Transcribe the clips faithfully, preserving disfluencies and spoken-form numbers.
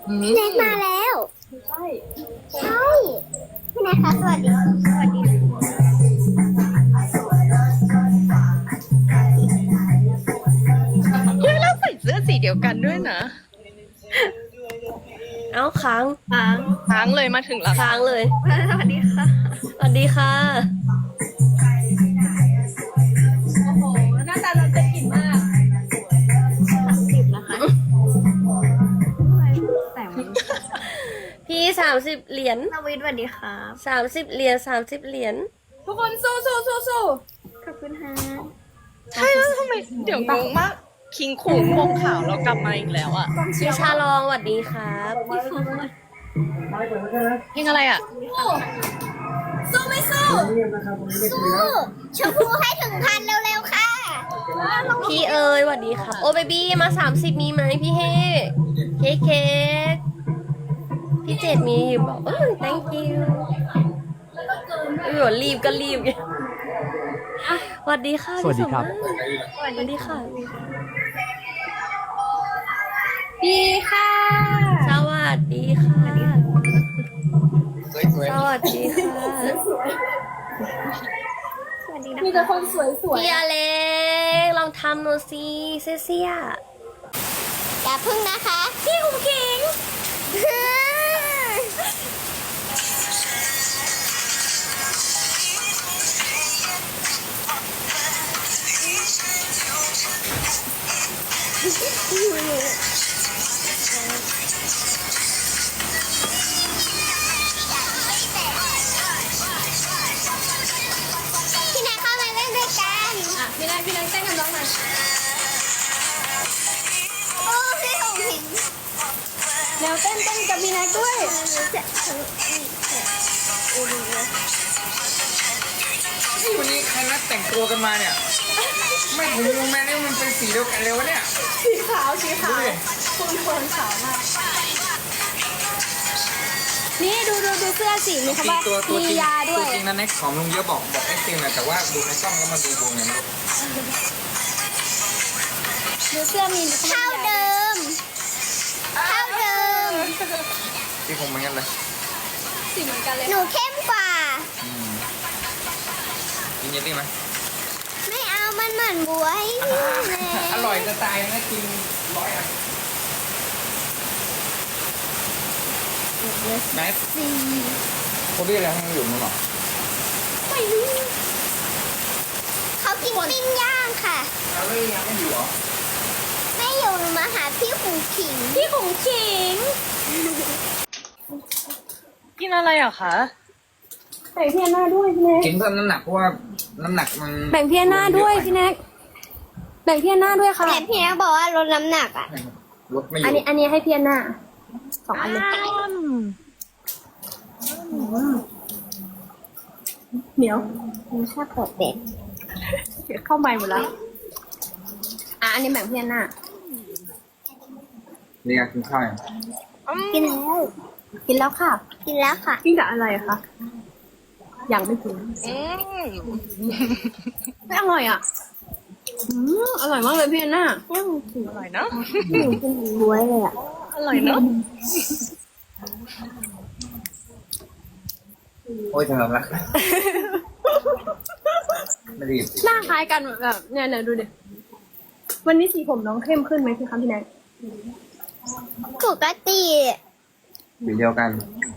พี่แน็กมาแล้วใช่ใช่พี่แน็กคะสวัสดีสวัสดีเฮ้ยเราใส่เสื้อสีเดียวกันด้วยนะเอ้าค้างค้างค้างเลยมาถึงแล้วค้างเลยสวัสดีค่ะสวัสดีค่ะโอ้โหหน้าตาเราจะกินมากสามสิบนะคะแต่งพี่สามสิบเหรียญนาวิทย์สวัสดีครับสามสิบเหรียญสามสิบเหรียญทุกคนสู้สู้สู้สู้ขอบคุณฮะใช่แล้วทำไมเดี๋ยวงงมากคิงคูงวงขาวเรากลับมาอีกแล้วอ่ะพี่ชาลองสวัสดีครับเพลงอะไรอ่ะสู้ไม่สู้สู้ชมพูให้ถึงพันเร็วๆค่ะพี่เอ๋ยสวัสดีครับ โอ้เบบี้มาสามสิบมีไหมพี่เฮเค้กเค้กพี่เจดมีอยู่บอกเออ thank you เออรีบก็รีบไงสวัสดีค่ะสวัสดีครับพี่สมมาตรสวัสดีค่ะดีค่ะสวัสดีค่ะ สวัสดีค่ะสวัสดีนะคะมีแต่คนสวยสวยพี่อเล็กลองทำหน่อยสิเซเซียอย่าพึ่งนะคะ พี่คุ้มคิงพี่นายเข้ามาเล่นด้วยกันอ่ะพี่นายพี่นายเต้นกับน้องหน่อยโอ้พี่คุ้มคิงแล้วเต้นเต้นกับพี่นายด้วยวันนี้ใครนัดแต่งตัวกันมาเนี่ย ไม่ถึงวงแม่นี่มันเป็นสีเดียวกันเลยวะเนี่ยสีขาวสีขาวคุณคนขาวมากนี่ดูดูดูเสื้อสีมีคำว่าตัวตัวจมีริงยาด้ตัววยจริงนะแน็กผอมลงเยอะบอกบอกไอ้จริงนะแต่ว่าดูในกล้องแล้วมาดูวงเนี่ยมันดูเสื้อมีเท่าเดิมเท่าเดิมที่คงเหมือนกันเลยสีเหมือนกันเลยหนูเข้มกว่าอืมกินเยลลี่ไหมไม่เอามันเหมือนบวยเลยอร่อยจะตายนะกินร้อยอ่ะแม็กสีเขาเรียกอะไรให้มันอยู่มั้งหรอไม่รู้เขากินปิ้งย่างค่ะเอาเลยยังไม่อยู่หรอไม่อยู่หนูมาหาพี่ขุงขิงพี่ขุงขิงกินอะไรอ่ะคะแบ่งพี่หน้าด้วยพี่แน็กกินเพิ่มน้ำหนักเพราะว่าน้ำหนักมันแบ่งพี่หน้าด้วยพี่แน็กแบ่งพี่หน้าด้วยค่ะแต่พี่แน็กบอกว่าลดน้ำหนักอ่ะลดไม่ออันยู่นี้อันนี้ให้พี่หน้าสองอันเลยเหนียวมันชอบเปิดเด็กเข้าใหม่หมดแล้วอ่ะอันนี้แบ่งพี่หน้านี่ไงกินข้าวยังกินแล้ว กินแล้วค่ะ กินแล้วค่ะ กินกับอะไรคะยังไม่กินอืมไม่อร่อยอ่ะอืมอร่อยมากเลยพี่หน้าอร่อยเนาะหนูกินบ้วยเลยอ่ะอร่อยเนาะโอ้ยสำหรับรักไม่รีบสิหน้าคล้ายกันแบบเนี่ยเนี่ยดูดิวันนี้สีผมน้องเข้มขึ้นไหมพี่คะพี่แน็กปกติสีเดียวกัน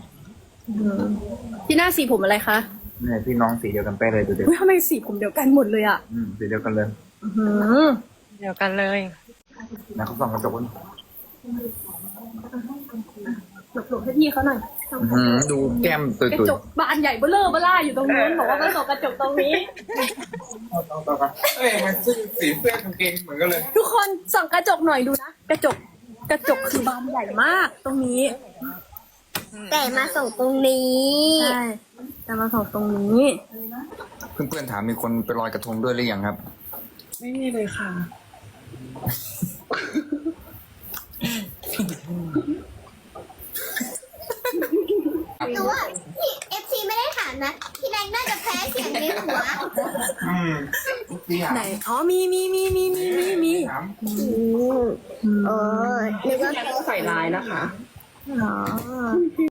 พี่หน้าสีผมอะไรคะเนี่ยพี่น้องสีเดียวกันเป๊ะเลยดูดิอุ๊ยทำไมสีผมเดียวกันหมดเลยอ่ะอืมสีเดียวกันเลยอื้อหือเดียวกันเลยนะเขาส่องกระจกกันหลบๆให้พี่เขาหน่อยอื้อหือดูแก้มตุยกระตุยจกบานใหญ่เบ้อเร่อเบ้อร่าอยู่ตรงนู้นบอกว่ามันตกกระจกตรงนี้เอ้ยมันสีสีเสื้อกางเกงเหมือนกันเลยทุกคนส่องกระจกหน่อยดูนะกระจกกระจกคือบานใหญ่มากตรงนี้ แต่มาส่งตรงนี้ใช่แต่มาส่งตรงนี้เพื่อนๆถามมีคนไปลอยกระทงด้วยหรือยังครับไม่มีเลยค่ะ หนูว่าพี่เอฟซีไม่ได้ถามนะ พี่แดงน่าจะแพ้เสียงในหัวอืมพี่ถามไหน อ๋อ มี มี มี มี มี มี มีถามเออนึกว่าใส่ลายนะคะอ๋อ